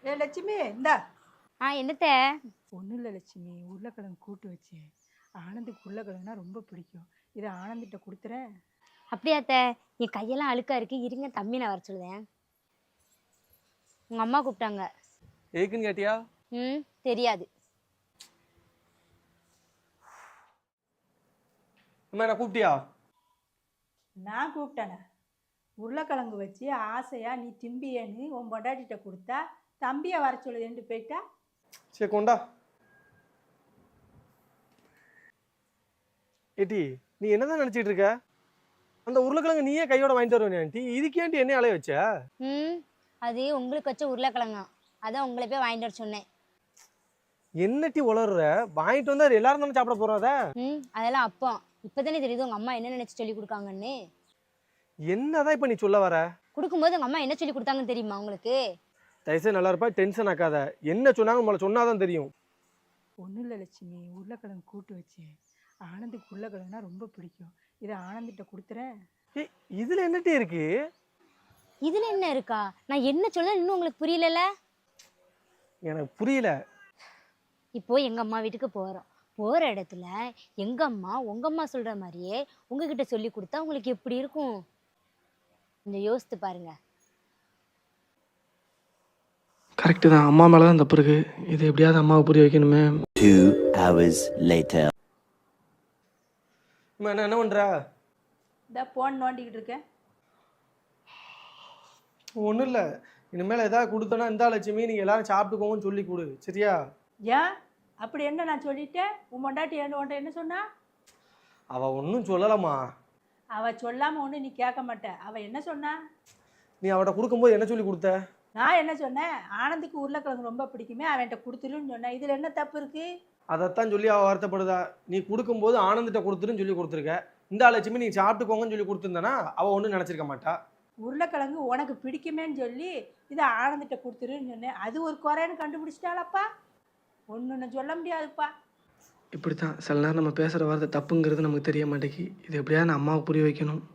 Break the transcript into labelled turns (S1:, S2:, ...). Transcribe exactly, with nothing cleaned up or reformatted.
S1: ஏ லட்சுமி இந்தா.
S2: ஆ என்னத்த?
S1: ஒன்றும் இல்லை லட்சுமி, உருளைக்கிழங்கு கூட்டு வச்சேன். ஆனந்துக்கு உருளைக்கிழங்குனா ரொம்ப பிடிக்கும். இதை ஆனந்திட்ட கொடுத்துறேன்.
S2: அப்படியாத்த? என் கையெல்லாம் அழுக்கா இருக்கு, இருங்க தம்பி நான் வர சொல்லுதேன். உங்க அம்மா கூப்பிட்டாங்க.
S3: எதுக்குன்னு கேட்டியா?
S2: ம் தெரியாது.
S3: அம்மா என்ன கூப்பிட்டியா?
S1: நான் கூப்பிட்டேனே, உருளைக்கிழங்கு வச்சு ஆசையாக நீ திம்பியேன்னு உன் பொண்டாட்டிகிட்ட கொடுத்தா தம்பியை வர சொல்லுதேன்ட்டு போயிட்டா.
S3: சரி கொண்டா. ஏட்டி நீ என்னதான் நினைச்சிட்டு இருக்க? அந்த உருளைக்கிழங்கு நீயே கையோட வாங்கிட்டு வருவேன் ஆண்டி, இதுக்கேண்டி என்ன அலைய வச்ச?
S2: ம் அது உங்களுக்கு வச்ச உருளைக்கிழங்கா, அதான் உங்களை போய் வாங்கிட்டு வர சொன்னேன்.
S3: என்னட்டி உளர்ற? வாங்கிட்டு வந்தா எல்லாரும் தானே சாப்பிட போறோம் அதை.
S2: ம் அதெல்லாம் அப்போ இப்போதானே தெரியுது உங்க அம்மா என்ன நினைச்சு சொல்லி கொடுக்காங்கன்னு.
S3: என்னதான் இப்ப நீ சொல்ல வர?
S2: கொடுக்கும்போது உங்க அம்மா என்ன சொல்லி கொடுத்தாங்கன்னு தெரியுமா உங்களுக்கு?
S3: தயவுசெய்து நல்லா இருப்பா, டென்ஷன் ஆக்காத. என்ன சொன்னாங்க நம்மள சொன்னாதான் தெரியும்.
S1: ஒன்றும் இல்லை லட்சுமி, உருளைக்கிழங்கு கூட்டு வச்சேன். ஆனந்துக்கு உருளைக்கிழங்குனா ரொம்ப பிடிக்கும். இதை ஆனந்திட்ட கொடுத்துறேன்.
S3: ஏய் இதுல என்னட்டி இருக்கு?
S2: இதுல என்ன இருக்கா? நான் என்ன சொல்ல இன்னும் உங்களுக்கு புரியல?
S3: எனக்கு புரியல.
S2: இப்போ எங்க அம்மா வீட்டுக்கு போறோம். போற இடத்துல எங்க அம்மா உங்க அம்மா சொல்ற மாதிரியே உங்ககிட்ட சொல்லி கொடுத்தா உங்களுக்கு எப்படி இருக்கும்? கொஞ்சம் யோசித்து பாருங்க.
S4: கரெக்டு தான், அம்மா மேலே தான் தப்பு இருக்கு. இது எப்படியாவது அம்மாவை புரிய வைக்கணுமே.
S5: Two hours later.
S3: அம்மா என்ன என்ன பண்ற?
S1: இந்த போன் நோண்டிக்கிட்டு இருக்கேன்.
S3: ஒன்றும் இல்லை, இனிமேல் ஏதாவது கொடுத்தோன்னா இந்த லட்சுமி நீங்கள் எல்லாரும் சாப்பிட்டுக்கோங்கன்னு சொல்லி கொடு, சரியா?
S1: ஏன் அப்படி என்ன நான் சொல்லிட்டேன்? உன் பொண்டாட்டி என்ன உன்ட்ட என்ன சொன்னா?
S3: அவள் ஒன்றும் சொல்லலம்மா.
S1: அவள் சொல்லாமல் ஒன்று நீ கேட்க மாட்ட. அவள் என்ன சொன்னா?
S3: நீ அவட்ட கொடுக்கும்போது என்ன சொல்லி கொடுத்த?
S1: நான் என்ன சொன்னேன்? ஆனந்துக்கு உருளைக்கிழங்கு ரொம்ப பிடிக்குமே, அவன்கிட்ட கொடுத்துருன்னு சொன்னேன். இதில் என்ன தப்பு இருக்கு?
S3: அதைத்தான் சொல்லி அவள் வருத்தப்படுதா. நீ கொடுக்கும்போது ஆனந்திட்ட கொடுத்துருன்னு சொல்லி கொடுத்துருக்க. இந்த லட்சுமி நீ சாப்பிட்டுக்கோங்கன்னு சொல்லி கொடுத்துருந்தானா அவள் ஒன்றும் நினச்சிருக்க மாட்டா.
S1: உருளைக்கிழங்கு உனக்கு பிடிக்குமேன்னு சொல்லி இதை ஆனந்திட்ட கொடுத்துருன்னு சொன்னேன். அது ஒரு குறைன்னு கண்டுபிடிச்சிட்டாலப்பா. ஒன்று சொல்ல முடியாதுப்பா.
S4: இப்படி தான் சில நேரம் நம்ம பேசுகிற வார்த்தை தப்புங்கிறது நமக்கு தெரிய மாட்டேங்கி. இது எப்படியாவது நான் அம்மாவை புரிய வைக்கணும்.